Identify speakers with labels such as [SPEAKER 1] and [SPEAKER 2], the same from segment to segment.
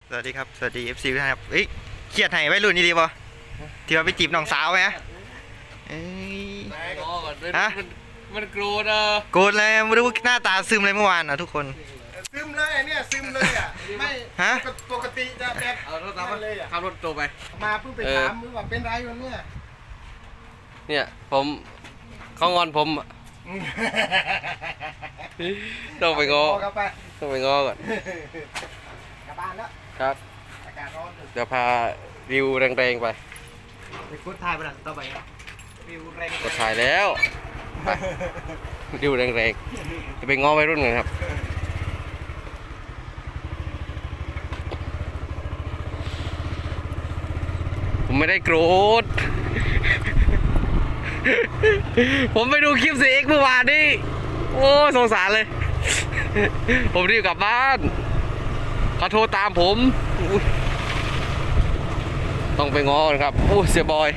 [SPEAKER 1] สวัสดีครับสวัสดี FC ทุกท่านครับเครียดให้ไว้รุ่นนี่ดีป่ะที่ว่าไปจีบน้องสาวไหมเอ้ยฮะ
[SPEAKER 2] มันโกรธอ่ะ
[SPEAKER 1] โกรธเลยไม่รู้หน้าตาซึมเลยเมื่อวานทุกคน
[SPEAKER 3] ซึมเลยเนี่ยซึมเลยอ่ะไม่
[SPEAKER 1] ฮะ
[SPEAKER 3] ปกติจะแบบ
[SPEAKER 2] เอารถตามมาเลยอ่ะขับรถโตไป
[SPEAKER 3] มาเพิ่งไปถามมึงว่าเป็นไรวันเนี่ย
[SPEAKER 2] ผมเขางอนผมต้องไปง้อต้องไปง้อก่อน
[SPEAKER 3] กลับบ้านแล้ว
[SPEAKER 2] ครับ
[SPEAKER 3] อากาศร้อน
[SPEAKER 2] เดี๋ยวพาวิวแรงๆไป
[SPEAKER 3] กดถ่ายไปหลังต่อไปวิวแรง
[SPEAKER 2] กดถ่ายแล้วไปวิวแรงๆจะไปง้อวัยรุ่นกันครับผมไม่ได้โกรธผมไปดูคลิป4Xเมื่อวานนี่โอ้สงสารเลยผมรีบกลับบ้านเขาโทรตามผมต้องไปง้อครับโอ้เสียบอย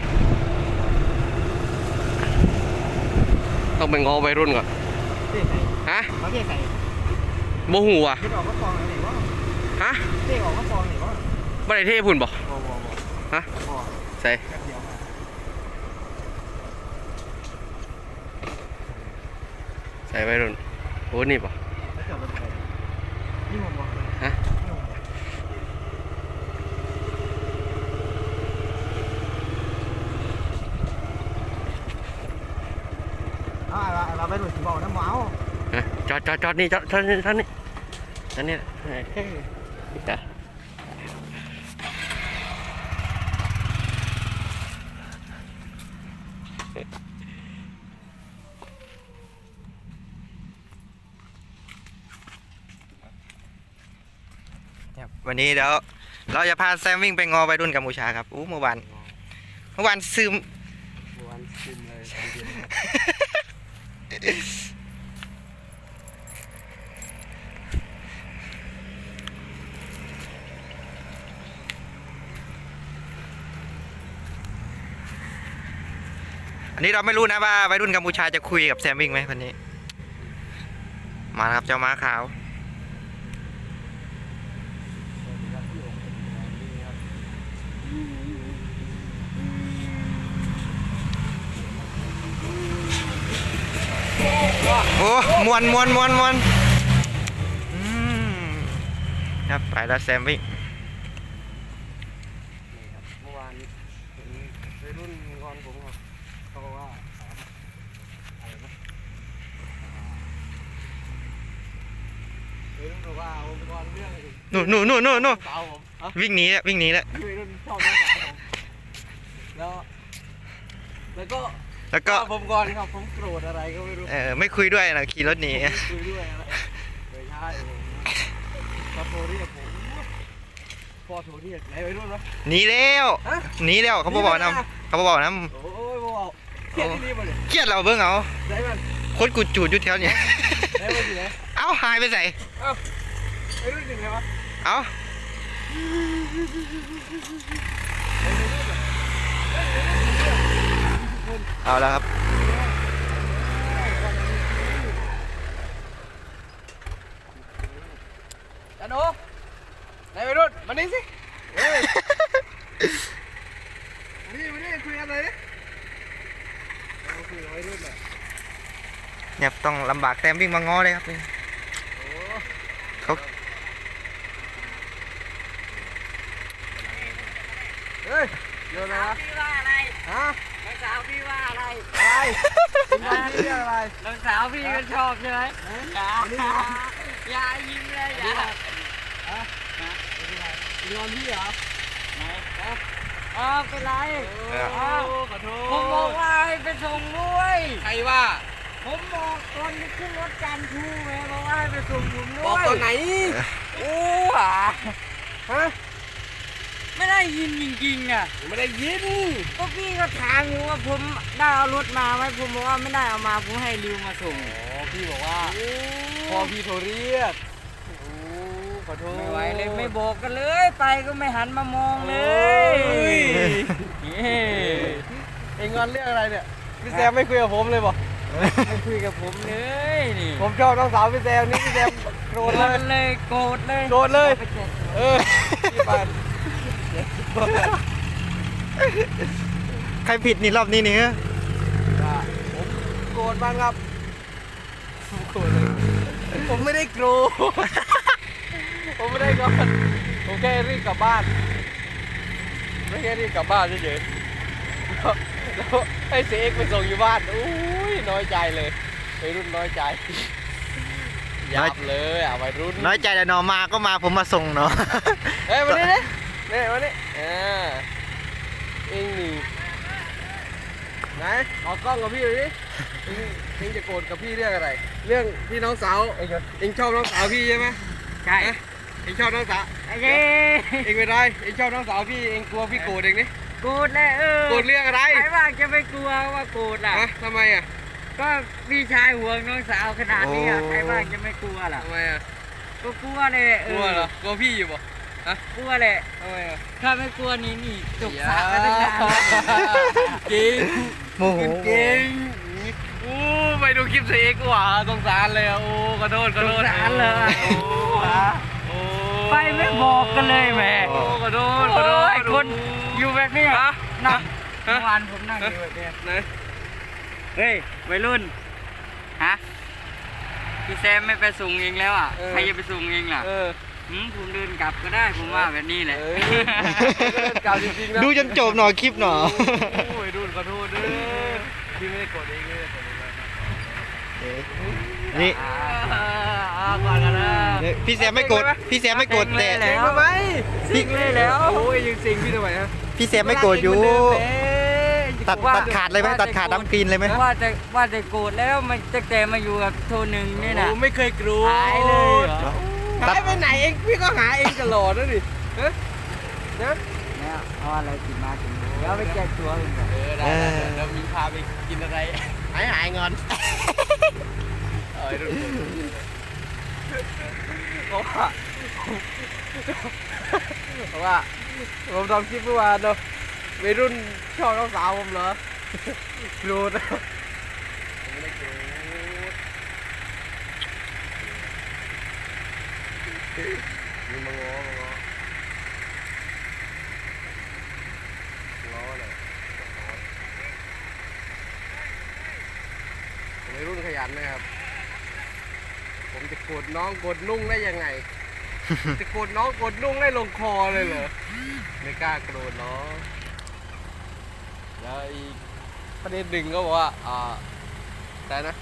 [SPEAKER 2] ต้องไปง้อวัยรุ่นก่อนฮะ
[SPEAKER 3] เขาเรียกใคร
[SPEAKER 2] โมหูอ่ะ
[SPEAKER 3] เรียกออกก็ฟองหรือว่า
[SPEAKER 2] ฮะ
[SPEAKER 3] เรียกออกก็ฟองหรือว่า
[SPEAKER 2] ไม่ได้เทพุ่นบ่ฮะใส่ใส่วัยรุ่นโอ้นี่ป่ะฮะ
[SPEAKER 3] เราไปหลุดบ่อน้ำหมาว
[SPEAKER 2] จอดนี่จอดนี่ท่านนี่
[SPEAKER 1] วันนี้เดี๋ยวเราจะพาแซมวิ่งไปงอวัยรุ่นกัมพูชาครับเมื่อวานซึม
[SPEAKER 2] เลย
[SPEAKER 1] อันนี้เราไม่รู้นะว่าวัยรุ่นกัมพูชาจะคุยกับแซมวิ่งไหมวันนี้มาครับเจ้าม้าขาวโอ้มวนครับไปแล้วแซมวิ่ง
[SPEAKER 2] เมื่อวานเห็นวัยรุ่นงอนผมครับเขาบอกว่าอะไรนะวัยรุ่นบอกว่าผมงอนเรื่อง
[SPEAKER 1] นู่น
[SPEAKER 2] สาวผม
[SPEAKER 1] วิ่งหนีแล้ว
[SPEAKER 2] วัยรุ่นชอบน้องสาวผมแล้วก็ผมก่อนครับผมโกรธอะไรก็ไม่รู้
[SPEAKER 1] ไม่คุยด้วยนะขี่รถหนี
[SPEAKER 2] คุยด้วยอะไรไม่ใช่เขาโทรเรียกผมพ่อโทรเรียกไหนไปรุ่นวะ
[SPEAKER 1] หนีแล้วเขาบอกนะ
[SPEAKER 2] โอ้ยบอกเครียดที่นี่มาเลย
[SPEAKER 1] เครียดเราเบิ่งเอา
[SPEAKER 2] ไหนมัน
[SPEAKER 1] โคตรกูจูดอยู่แถวนี้
[SPEAKER 2] ไหนมันอยู่ไหน
[SPEAKER 1] เอ้าหายไปใส่
[SPEAKER 2] ไปรุ่นอยู่ไหนวะ
[SPEAKER 1] เอ้าเอาแล้วครับ
[SPEAKER 2] จันโอไหนไปรุ่นมานี่สิมานี่คุยกันเลยคุยกับวัยรุ่นหน่อย
[SPEAKER 1] เนี่ยต้องลำบากแซมวิ่งมาง้อเลยครับเขา
[SPEAKER 2] เฮ้ยโยนนะ
[SPEAKER 4] พี่ว่าอะไร
[SPEAKER 2] ฮะ
[SPEAKER 4] น้องสาวพี่ว่าอะไร
[SPEAKER 2] คุณว่าพี่อะไร
[SPEAKER 4] น้องสาวพี่ก็ชอบใช่ไหมอย่ายิ้มเลยอย่า
[SPEAKER 2] งอนพี่เหรอ
[SPEAKER 4] ไหนเป็นไร
[SPEAKER 2] ขอโทษ
[SPEAKER 4] ผมบอกว่าให้ไปส่งด้วย
[SPEAKER 2] ใครว่า
[SPEAKER 4] ผมบอกตอนที่ขึ้นรถจันทูแม่บอกว่าให้ไปส่งผมด้วย
[SPEAKER 2] บอกตอนไหนฮะ
[SPEAKER 4] ไม่ได้ยินจริงๆอ่ะ
[SPEAKER 2] ไม่ได้ยิน
[SPEAKER 4] ก็พี่ก็ถามอยู่ว่าผมได้เอารถมาไหมผมบอกว่าไม่ได้เอามาผมให้ริวมาส่ง
[SPEAKER 2] พี่บอกว่าพอพี่โทรเรียกขอโทษ
[SPEAKER 4] ไม่ไหวเลยไม่บอกกันเลยไปก็ไม่หันมามองเลย
[SPEAKER 2] เอ็งงอนเรื่องอะไรเนี่ยพี่แซมไม่คุยกับผมเลยบอก
[SPEAKER 4] ไม่คุยกับผมเลยนี่
[SPEAKER 2] ผมชอบน้องสาวพี่แซมนี่พี่แซมโกรธเลย
[SPEAKER 4] โกรธเลย
[SPEAKER 2] พี่ไป
[SPEAKER 1] ใครผิดนี่รอบนี้นี่ฮะ
[SPEAKER 2] ผมโกรธบ้างครับผมโกรธเลยผมไม่ได้โกรธผมไม่ได้โกรธผมแค่รีบกลับบ้านไม่แค่รีบกลับบ้านเฉยๆแล้วให้เสียเอกไปส่งอยู่บ้านอุ้ยน้อยใจเลยวัยรุ่นน้อยใจยับเลยวัยรุ่น
[SPEAKER 1] น้อยใจแต่นอมาก็มาผมมาส่งเนาะ
[SPEAKER 2] เฮ้ยมาดินี่มาดิเองนี่ไหนเอากล้องกับพี่ดิเองจะโกรธกับพี่เรื่องอะไร เรื่องพี่น้องสาวเองชอบน้องสาวพี่ใช่ไหม
[SPEAKER 4] ใช่
[SPEAKER 2] เองชอบน้องสาว
[SPEAKER 4] เย้
[SPEAKER 2] เองเป็นไรเองชอบน้องสาวพี่เองกลัวพี่โกรธเองนี่
[SPEAKER 4] โกรธเลย
[SPEAKER 2] โกรธเรื่องอะไร
[SPEAKER 4] ใครว่าจะไม่กลัวว่าโกรธล่ะ
[SPEAKER 2] ฮะทำไมอ่ะ
[SPEAKER 4] ก็พี่ชายห่วงน้องสาวขนาดนี้อะ
[SPEAKER 1] โอ้
[SPEAKER 4] ใครว่าจะไม่กลัวล่ะ
[SPEAKER 2] ทำไมอ่ะ
[SPEAKER 4] ก็กลัวเลย
[SPEAKER 2] กลัวเหรอกลัวพี่อยู่ป่ะฮะ
[SPEAKER 4] กลัวเลย
[SPEAKER 2] ทำไมอ่ะ
[SPEAKER 4] ถ้าไม่กลัวนี่จบสระมาตั้งนาน
[SPEAKER 2] จริง
[SPEAKER 1] โมโห
[SPEAKER 2] เก่งโอ้ไปดูคลิปเสียเอกว่ะสงสารเลยอ่ะโอ้ขอโทษขอโทษ
[SPEAKER 4] สงสารเลย
[SPEAKER 2] โอ้โอ้
[SPEAKER 4] ไปไม่บอกกันเลยแหม่
[SPEAKER 2] โอ้ขอโทษขอโทษ
[SPEAKER 4] ไอ้คนอยู่แบบนี้
[SPEAKER 2] ฮะ
[SPEAKER 4] นั่ง
[SPEAKER 2] ฮะ
[SPEAKER 4] เมื่อวานผมนั่งอยู่แบบนี้
[SPEAKER 2] ไหน
[SPEAKER 4] เฮ้ยวัยรุ่นฮะพี่แซมไม่ไปส่งเองแล้วอ่ะใครจะไปส่งเองล่ะผมเดินกลับก็ได้ผมว่าแบบนี้แหละ
[SPEAKER 2] กล่าวจริงๆนะ
[SPEAKER 1] ดูจนจบหน่อยคลิปหน่อย
[SPEAKER 2] โอ้ยดูขอโทษด้วยพี่ไม่ได้กดเองเลย
[SPEAKER 1] นี่
[SPEAKER 4] ก่อนกันนะ
[SPEAKER 1] นี่พี่แซมไม่กดพี่แซมไม่กดแต่
[SPEAKER 4] แล้
[SPEAKER 2] เอง
[SPEAKER 4] ว
[SPEAKER 2] ทำไม
[SPEAKER 4] สิงเลยแล้ว
[SPEAKER 2] โอ้ยยังสิงพี่ทำไมฮะ
[SPEAKER 1] พี่แซมไม่โกรธอยู่ ตัดขาดเลยไหมตัดขาดดำกรีนเลยไหม
[SPEAKER 4] ว่าจะโกรธแล้วมันตั้งแต่มาอยู่กับโทหนึ่งนี่นะ
[SPEAKER 2] โอ้ไม่เคยกลัว
[SPEAKER 4] หายเลยเหรอ
[SPEAKER 2] หายไปไหนเองพี่ก็หาเองตลอดนะดิฮะนะ
[SPEAKER 4] เนี่ยเอาอะไรกินมากินเดี๋ยวไปแจกตัวกันก่อน
[SPEAKER 2] ได้เดี๋ยวมีพาไปกินอะไรหายงอนเพราะว่าผมทำคลิปเมื่อวานเนาะวัยรุ่นชอบน้องสาวผมเหรอโกรธผมไม่ได้โกรธมีมาง้อเลยวัยรุ่นขยันนะครับ ผมจะโกรธน้องโกรธนุ่งได้ยังไง จะโกรธน้องโกรธนุ่งได้ลงคอเลยเหรอ ไม่กล้าโกรธน้องแล้วอีกประเด็นหนึ่งก็บอกว่าแต่นะ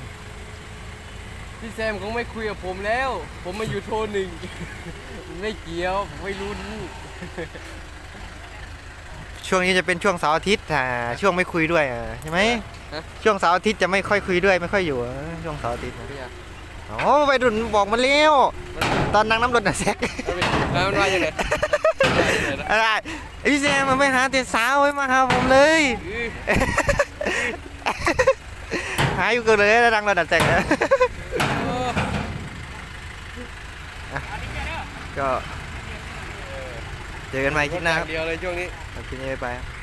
[SPEAKER 2] พี่แซมคงไม่คุยกับผมแล้ว ผมมาอยู่โทรหนึ่ง ไม่เกี่ยวผมไม่รู้
[SPEAKER 1] ช่วงนี้จะเป็นช่วงเสาร์อาทิตย์ช่วงไม่คุยด้วยใช่ไหมช่วงเสาร์อาทิตย์จะไม่ค่อยคุยด้วยไม่ค่อยอยู่ช่วงเสาร์อาทิตย์โอ้ไปดุนบอกมาแล้วตอนนั่งน้ำรถน่ะแซก
[SPEAKER 2] มันว่ายังไง
[SPEAKER 1] อะไรพี่แซมมันไม่หาแต่สาวไว้มาหาผมเลย หาอยู่เกินเลยดังรถน่ะแซกนะก็เจอกันใหม่คลิปหน้าครับ
[SPEAKER 2] เดียวเลยช่วงนี้
[SPEAKER 1] คลิปนี้ไปครับ